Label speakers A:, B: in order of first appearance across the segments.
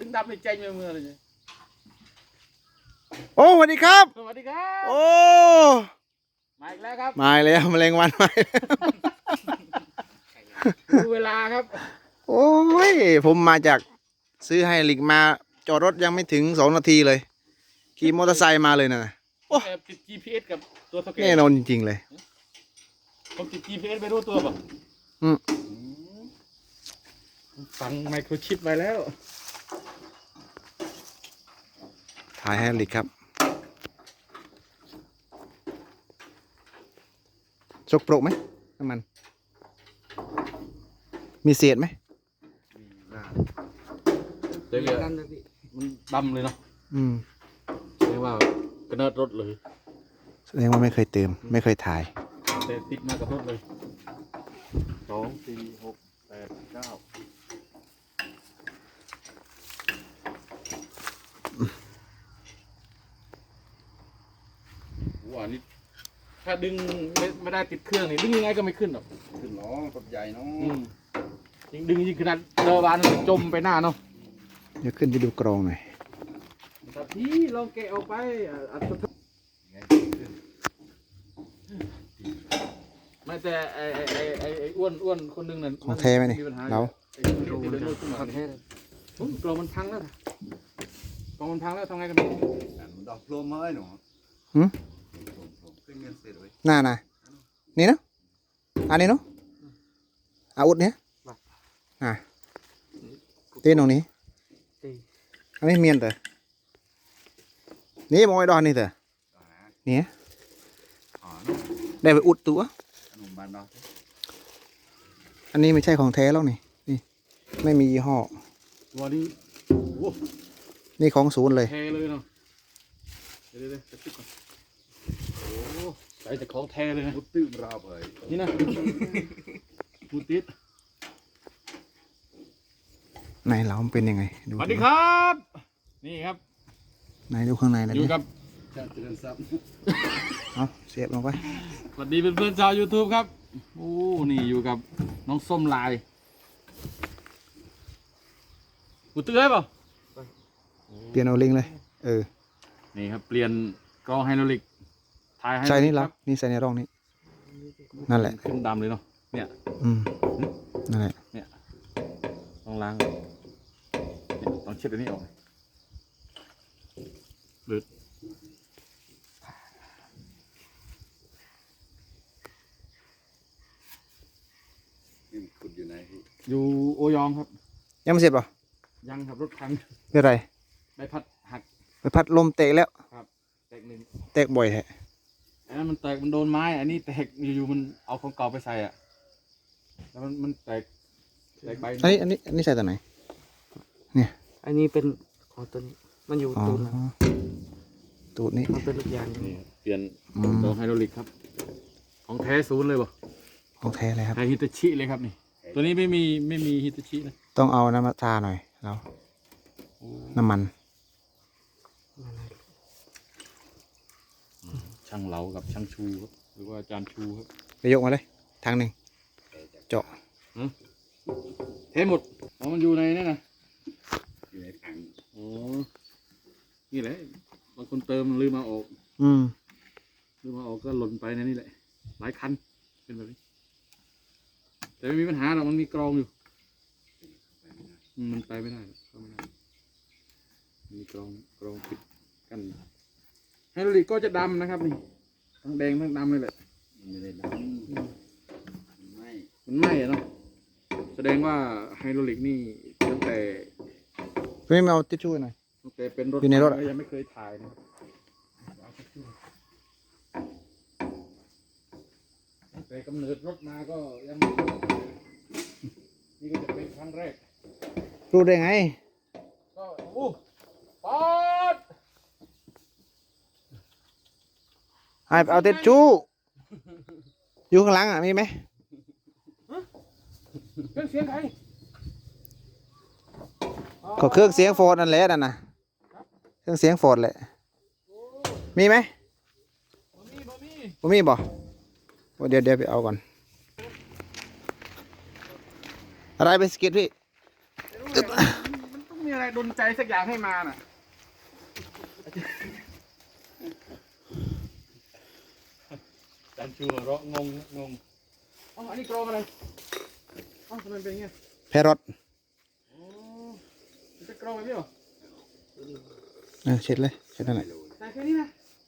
A: นดำในใจเมื่อเลย
B: โอ้สวัสดีครับ
A: สวัสดีครับ
B: โอ้
A: มาอีกแล้วครับ
B: มาอีกแล้วแมลงวันมาอีกแล้ว
A: ดูเวลาครับ
B: โอ้ยผมมาจากซื้อให้ลิกมาจอดรถยังไม่ถึง2 นาทีเลยขี่มอเตอร์ไซค์มาเลยนะ โอ้
A: แอบติด GPS กับตัวสเกต
B: แน่นอนจริงๆเลย
A: ผมติด GPS ไปรู้ตัวป่ะ
B: อืม
A: ฝังไมโครชิปไว้แล้ว
B: ถ่ายให้ลิกครับสกปรกไหมน้ำมันมีเศษไหม
A: เดี๋ยวมันดำเลยเนาะ
B: อืม
A: เรียกว่ากระเนิดรถเลย
B: แสดงว่าไม่เคยเติมไม่เคยถ่าย
A: แต่ติดมากับรถเลย2 4 6 8 9ว้านี่ถ้าดึงไม่ได้ติดเครื่องนี่ดึงยังไงก็ไม่ขึ้นหรอก
C: ขึ้นล้อรถใหญ่เนาะ
A: ยิ่งดึงยิ่งขนาดเรือวานมันจมไปหน้าเนาะ
B: เดี๋ยวขึ้นไปดูกรองหน่อย
A: แต่พี่ลองแกะออกไปไม่แต่ไอ้อ้วนคนหนึงน่ะ
B: ของแท้ไหมนี่
A: ปัญหา
B: เรา
A: ไอ้กรงมันพังแล้วกรงมันพังแล้วทำไงกัน
C: มันดอกโพลมมาไอ้หนู
B: หืม
C: ขึ้นเงินเสร็จเลย
B: น่านี่เนาะอันนี้เนาะอาวุธเนี้ยเต้นตรงนี้อันนี้เมียนเตอนี่มอยดอนนี่เตอนี่
C: อ๋อ
B: ได้ไปอุดตัว
C: ขนมบานดอก
B: อันนี้ไม่ใช่ของแท้แล้วนี่ไม่มียี่ห้อ
A: ตัวนี้โอ้
B: นี่ของศูนย์เลย
A: แท้เลยเนาะเดี๋ยวจะติดก่อนโอ้ใส่แต่ของแท้เลยนะ
C: มุดตื้มราบเลย
A: นี่นะมูติด
B: ไหนเรามันเป็นยังไงดู
A: สวัสดีครับ นี่ครับ
B: ไหนดูข้างในหน่อย
A: อยู่
B: ดิ
A: กับ
C: จะเตือนซ้
B: เอาเสียบลงไป
A: สวัสดีเพื่อนๆชาว YouTube ครับโอ้นี่อยู่กับน้องส้มลายกูเตือนเปล่า
B: เปลี่ยนเอาลิงเลย
A: นี่ครับเปลี่ยนกรองไฮดรอลิกถ่ายให้
B: ใช่นี่
A: ค
B: แล้
A: รั
B: วนี่ใส่ในร่องนี้นั่นแหละ
A: ขึ้นดำเลยเนาะเนี่ย
B: นั่นแหละ
A: ต้องล้างเนี่ยต้องเช็ดอันนี้ออกหรือ
C: ำนี่ขุดอยู่ไหนพี่
A: อยู่โอยองครับ
B: ยังไม่เสร็จป่ะ
A: ยังครับรถพัง
B: เป็นไร
A: ใบพัดหัก
B: ไปพัดลมเตะแล้ว
A: แตกหนึ่ง
B: แตกบ่อยแท้
A: อันนั้นมันแตกมันโดนไม้อันนี้แตกอยู่ๆมันเอาของเก่าไปใส่อ่ะแล้วมันแตกใบ
B: อันนี้ใส่ตัวไหน
D: อันนี้เป็นของตัวนี้ มันอยู่
B: อ๋อ
D: ตูนนะ
B: ตูดนี้
D: มันเป็นลูกยางอยู่
A: นี่เปลี่ยน
B: อืม
A: กรองไฮดรอลิกครับ ของแท้ศูนย์เลยบ่
B: ของแท้เลยครับ
A: แท้ฮิตาชิเลยครับนี่ ตัวนี้ไม่มีฮิตาชินะ
B: ต้องเอาน้ำมาทาหน่อยเราน้ำมัน
A: ช่างเหลากับช่างชูครับหรือว่าอาจารย์ชูครับ
B: ไปยกมาเลยทางหนึ่งเจาะ
A: เทหมดอ๋อมันอยู่ในนั่นนะ
C: อยู่ในถัง
A: โอ้นี่แหละบางคนเติมลืมมาออก ลืมมาออกก็หล่นไปในนี่แหละหลายคันเป็นแบบนี้แต่ไม่มีปัญหาหรอกมันมีกรองอยู่มันไปไม่ได้หรอกเข้าไม่ได้มีกรองปิดกันไฮดรอลิกก็จะดำนะครับนี่ทั้งแดงทั้งดำเลยแหละ
C: มันไม่ได้ดำมันไหม้
A: มันไหม้อะเนาะแสดงว่าไฮดรอลิกนี่ตั้งแต่
B: ไม่เอาทิชชู่หน่อย
A: เป็นรถ
B: อยู่ในรถอะ
A: ยังไม่เคยถ่ายนะแต่กำเนิดรถมาก็ยังไม่เคยถ่ายนี่ก็จะเป็นครั้งแรก
B: รู้ได้ไง
A: ก็ปอด
B: ให้ไปเอาทิชชู่อยู่ข้างหลังมีไหม
A: เครื่องเสียงใคร
B: ก็เครื่องเสียงโฟร์ดนั่นแหละนั่นน่ะเครื่องเสียงโฟร์ดแหละมีไหม
A: บ่มี
B: บ่เดี๋ยวไปเอาก่อนอะไรไปสกิดพี่
A: มันต้องมีอะไรดลใจสักอย่างให้มาน่ะจันชูหัวเราะงงอ๋ออันนี้กรองอะไรอ๋อทำไมเป็นอย่างเงี้ย
B: แพรรถ
A: โอ้มันจะกรองแบบนี้เหรอ
B: เช็ดเลยเช็ดนั่นแหละ
A: ใส่แค่นี้นะ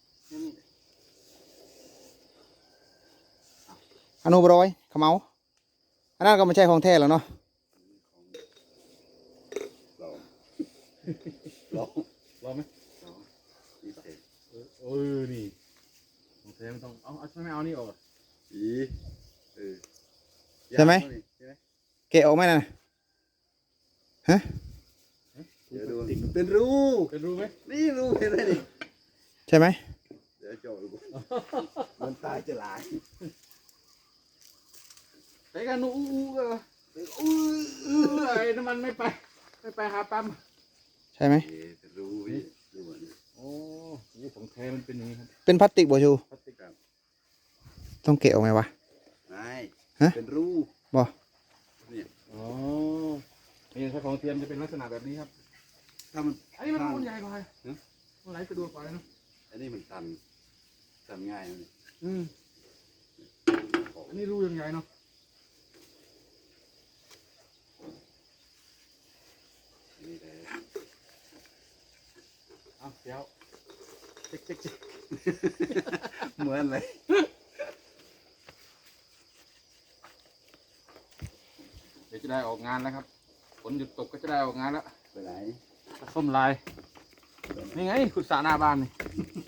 B: อนุบรอยขมเอาอันนั้นก็ไม่ใช่ของแท้แล้วเนาะ
C: ลอง
A: รอไหม
C: ลองนี่เสร็จ
A: นี่ของแท้ไม่ต้องเอาทำไมไม่เอานี่ออกอ่ะ
C: อีเออ
B: ใช่ไหม
C: ใช่ไหม
B: เกะออกไหมน่ะฮะ
C: เดี๋ยวดูเป็นรู
A: เป็นรู้ไหม
C: นี่รูเห็นไหมนี่
B: ใช่ไหม
C: เดี๋ยวโจดูมันตายจะหลาย
A: ไปกันนู้ไอ้น้ำมันไม่ไปหาปั๊ม
B: ใช่ไหม
C: เป็นรูพี่ดูเหมือน
A: โอ้ยของแท้มันเป็นอย่างนี้ครับ
B: เป็นพลาสติกบ่ชู
A: พลาสติกครับ
B: ต้องเกะออกไหมวะ
C: ไม่
B: ฮะ
C: เป็นรู
B: บ่
C: เนี่ย
A: อ๋อนี่ถ้าของเทียมจะเป็นลักษณะแบบนี้ครับ
C: ถ้ามัน
A: อันนี้มันรูใหญ่กว่ามันไหลสะดวกกว่าเนาะ
C: อันนี้มันตันง่ายนะนี่
A: อันนี้รูยังใหญ่เนาะ
C: อันนี้เลย
A: เอาเดี๋ยวเจ๊ก
C: เหมือนเลย
A: เดี๋ยวจะได้ออกงานแล้วครับฝนหยุดตกก็จะได้ออกงานแล้ว
C: ไปไหน
A: ส้มลายนี่ไงขุดสระหน้าบ้านนี่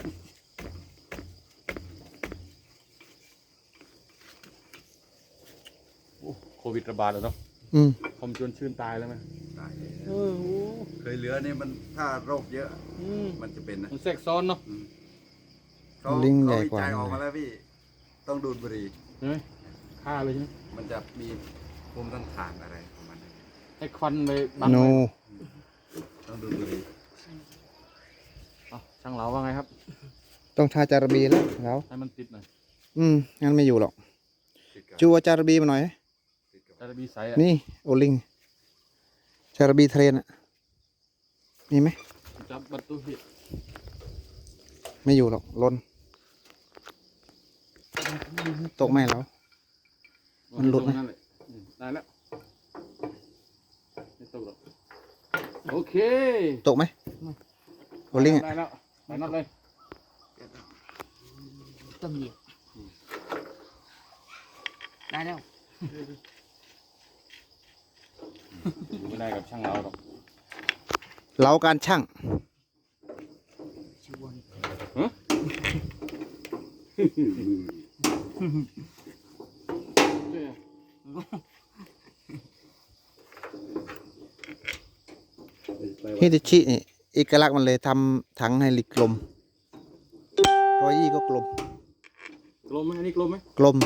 A: โอ้โควิดระบาดแล้วเนาะ
B: อืม
A: คมจนชื่นตายแล้วไหม
C: ตายเลย
A: โอ้
C: เคยเหลือเนี่ยมันถ้าโรคเยอะ มันจะเป็นนะ
A: มันแทรกซ้อนเนาะ
C: เขา
B: ลิง
C: เขา
B: ใหญ่
C: วิ
B: กว่า
C: จัยออกมาแล้วพี่ ต้องดูดบุหรี่
A: ใช่ไหมฆ่าเลยใช่ไหม
C: มันจะมีภูมิต้านทานอะไรของมัน
A: ให้ควันไปบัง
B: โน
A: ไว้
C: ต้องดูดบุหรี่
A: เอาช่างเหลาว่าไงครับ
B: ต้องทาจารบีแล้วแล้ว
A: ให้มันติดหน่อย
B: งั้นไม่อยู่หรอก
C: ติดกับ
B: จูเอาจารบีมาหน่อย
C: ติดกับ
A: จะบีใสอ่ะ
B: นี่โอลิงจารบีเทรนอ่ะมีไหม
A: จับประตูหิ
B: ไม่อยู่หรอกลนตกไหมแล้ว มันหลุดไหม
A: ตรงนั่นแหละได้แล้วไม่ตกหรอกโอเค
B: ตกไหมโอลิงอ่ะ
A: ได้แล้วไปน็อตเลย
D: ต้มเหยียบได้แล้ว
A: อยู่ไม่ได้กับช่างเราหรอก
B: เล้าการช่าง
D: ชวน
B: ฮิตาชินี่เอกลักษณ์มันเลยทำถังไฮลิกกลม120ก็กลม
A: กลมไหมอันนี้กลมไหม
B: กลม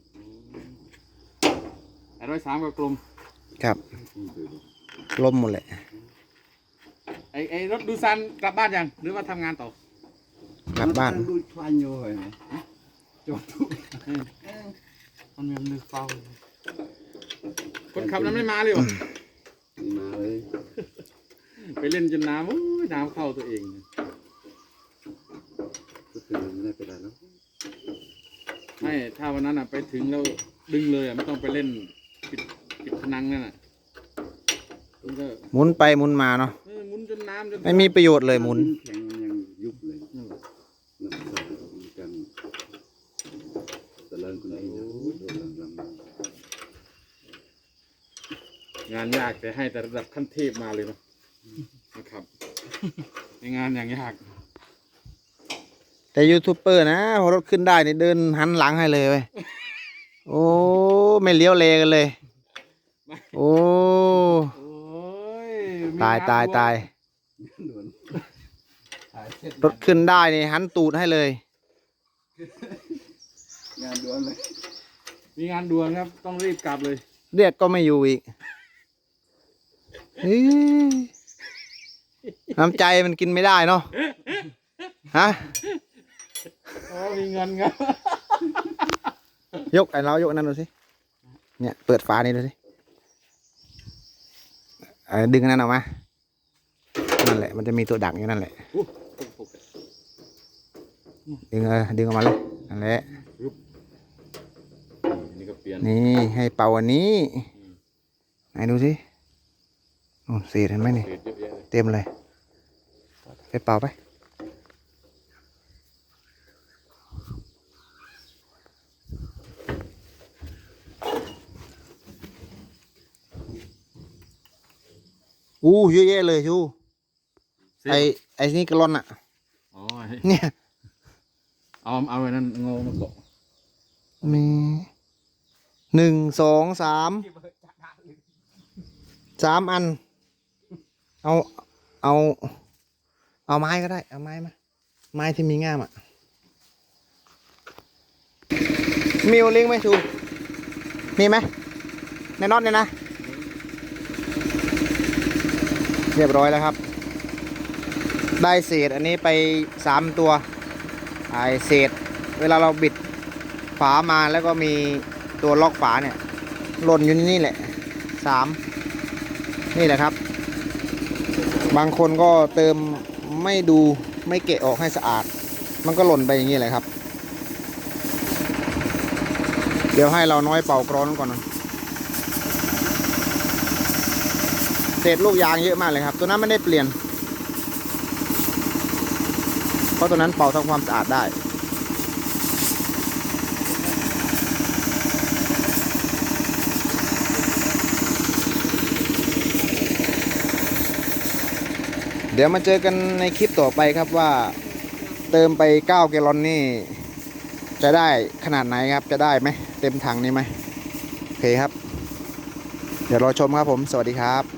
A: ไอ้103ก็กลม
B: ครับ กลมหมดแหละ
A: ไอ้รถดูซันกลับบ้านยังหรือว่าทำงานต่อก
B: ลับบ้าน
C: ดูดควันอยู่เห็นไหมจอดทุก
A: มันมีมือเฝ้าคนขับนั้นไม่มาเลยเหรอ
C: นี่มาเลย
A: ไปเล่นจนน้ำโอ้ยน้ำเข้าตัวเอง
C: ก็คือไม่ได้เป็นไรแล้ว
A: ไม่ถ้าวันนั้นอ่ะไปถึงแล้วดึงเลยอ่ะไม่ต้องไปเล่นปิดพนังนั่นอ่ะมันก็
B: หมุนไปหมุนมาเนาะ
A: หมุนจนน้ำจน
B: ไม่มีประโยชน์เลยหมุน
C: แข็งมันยังยุบเลย
A: นั่นแหละ
C: น้ำใสมีกันตะเลิงคนนี้นะโดนลำ
A: งานยากแต่ให้แต่ระดับขั้นเทพมาเลยเนาะนะครับในงานอย่างยาก
B: แต่ยูทูบเบอร์นะพอรถขึ้นได้นี่เดินหันหลังให้เลยเว้ยโอ้ไม่เลี้ยวเลกันเลย โอ้
A: โอ้ยมี
B: ตาย
A: งน
B: ตาย
A: ด่วน
B: ตาย
C: โดนถ่ายเสร็จ
B: รถขึ้นได้นี่หันตูดให้เลย
C: งานด่วนเลย
A: มีงานด่วนครับต้องรีบกลับเลย
B: เรียกก็ไม่อยู่อีกเฮ้ยน้ำใจมันกินไม่ได้เนาะฮะ
A: อ๋อมีเงินครับ
B: ยกไอ้เรายกอันนั้นดูสิเนี่ยเปิดฝานี่ดูสิดึงอันนั้นออกมานั่นแหละมันจะมีตัวดักอยู่นั่นแหละ
A: อู้
B: ดึงดึงออกมาเลยนั่นแหละ
A: นี่ก็เปลี่ยน
B: นี่ให้เป่าอันนี้ไหนดูสิโอ้เศษเห็นไหมนี่
A: เศษเยอะแยะเลย
B: เต็มเลยไปเป่าไปอู้เยอะแยะเลยชู
A: เศษ
B: ไอ้นี่กระลอนอ่ะ
A: อ๋อ
B: เนี่ย
A: เอาไว้นั่นงอมาเกาะ
B: มี1 2 3 3 อัน เอาไม้ก็ได้เอาไม้มาไม้ที่มีง่ามอ่ะมีโอลิงไหมชูมีไหมในน็อตเนี่ยนะเรียบร้อยแล้วครับ ได้เศษอันนี้ไป3 ตัวไอเศษเวลาเราบิดฝามาแล้วก็มีตัวล็อกฝาเนี่ยหล่นอยู่นี่แหละ3นี่แหละครับ บางคนก็เติมไม่ดูไม่เกะออกให้สะอาด มันก็หล่นไปอย่างนี้แหละครับ เดี๋ยวให้เราน้อยเป่ากรอนก่อนนะเศษลูกยางเยอะมากเลยครับ ตัวนั้นไม่ได้เปลี่ยน เพราะตัวนั้นเป่าทำความสะอาดได้ เดี๋ยวมาเจอกันในคลิปต่อไปครับว่าเติมไป9 แกลลอนนี่จะได้ขนาดไหนครับจะได้ไหมเต็มถังนี้ไหมโอเคครับ เดี๋ยวรอชมครับผมสวัสดีครับ